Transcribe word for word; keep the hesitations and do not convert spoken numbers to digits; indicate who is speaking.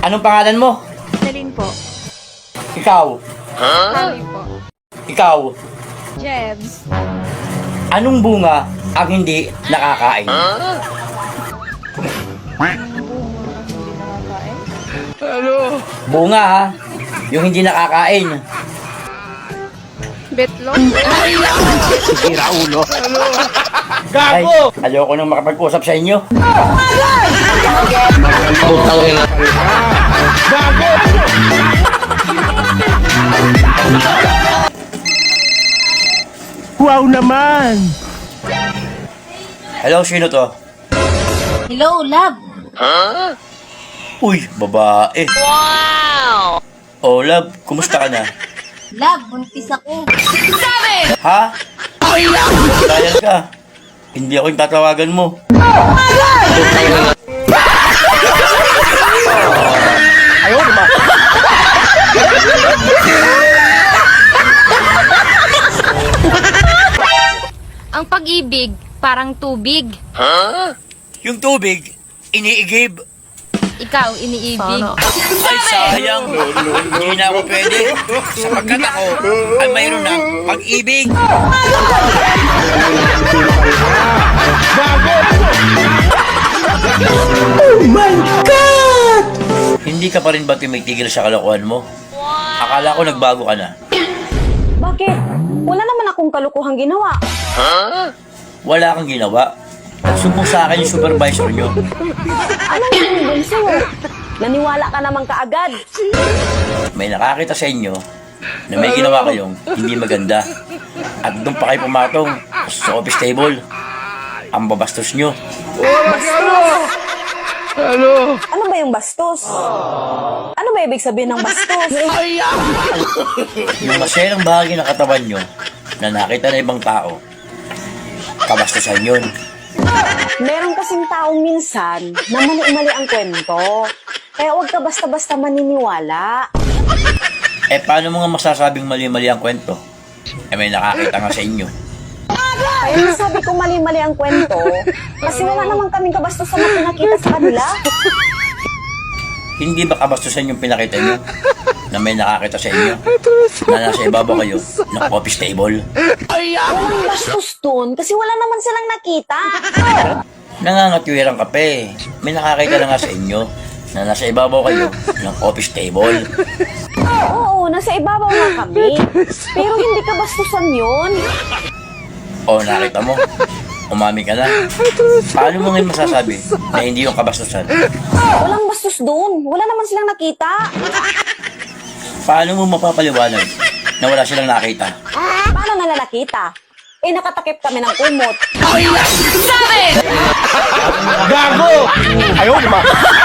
Speaker 1: Anong pangalan mo?
Speaker 2: Celine po.
Speaker 1: Ikaw.
Speaker 2: Kami po.
Speaker 1: Ikaw.
Speaker 2: Jebs.
Speaker 1: Anong bunga ang hindi nakakain?
Speaker 2: Hindi nakakain.
Speaker 1: Bunga ha? Yung hindi nakakain.
Speaker 2: Betlog.
Speaker 3: Sira ulo.
Speaker 1: Ay, ayoko nang makapag-usap sa inyo.
Speaker 3: Wow naman!
Speaker 1: Hello, sino to?
Speaker 4: Hello, love.
Speaker 1: Uy, babae. Wow! Oh, love, kumusta ka na?
Speaker 4: Love, buntis ako.
Speaker 1: Ha? Dahil ka. Hindi ako yung tatawagan mo. Ayaw naman.
Speaker 2: Ang pag-ibig, parang tubig.
Speaker 1: Yung tubig, iniigib.
Speaker 2: Ikaw, iniibig.
Speaker 1: Ay, sayang. Hindi na ako pwede. Sapagkat ako ay mayroon ng pag-ibig.
Speaker 3: Oh my God!
Speaker 1: Hindi ka pa rin ba tumitigil sa kalokohan mo? Akala ko nagbago ka na.
Speaker 5: Bakit? Wala naman akong kalukuhang ginawa.
Speaker 1: Wala kang ginawa. Nagsumbong sa akin yung supervisor nyo.
Speaker 5: Ano yung bunso? Naniwala ka naman kaagad.
Speaker 1: May nakakita sa inyo na may ginawa kayong hindi maganda. At doon pa kayo pumatong sa office table. Ang babastos nyo.
Speaker 5: Ano ba yung bastos? Ano ba ibig sabihin ng bastos?
Speaker 1: Yung maserang bahagi ng katawan nyo na nakita na ibang tao, kabastusan yun.
Speaker 5: Meron kasing taong minsan na mali-mali ang kwento. Kaya huwag ka basta-basta maniniwala.
Speaker 1: Eh, paano mo nga masasabing mali-mali ang kwento? Eh, may nakakita nga sa inyo.
Speaker 5: Kaya nasabi ko mali-mali ang kwento kasi wala naman kaming kabastusan na pinakita sa kanila.
Speaker 1: Hindi ba kabastusan yung pinakita nyo na may nakakita sa inyo na nasa ibabaw kayo ng office table?
Speaker 5: Walang bastos dun kasi wala naman silang nakita.
Speaker 1: Nangangatwirang kape. May nakakita na nga sa inyo na nasa ibabaw kayo ng office table.
Speaker 5: Oo, nasa ibabaw nga kami. Pero hindi kabastusan yun.
Speaker 1: O, nakita mo? Umami ka na. Paano mo ngayon masasabi na hindi yung kabastusan?
Speaker 5: Walang bastos dun. Wala naman silang nakita.
Speaker 1: Paano mo mapapaliwanag na wala silang nakita?
Speaker 5: Paano nila nakita? Eh, nakatakip kami ng kumot.
Speaker 3: Gago! Ayaw naman!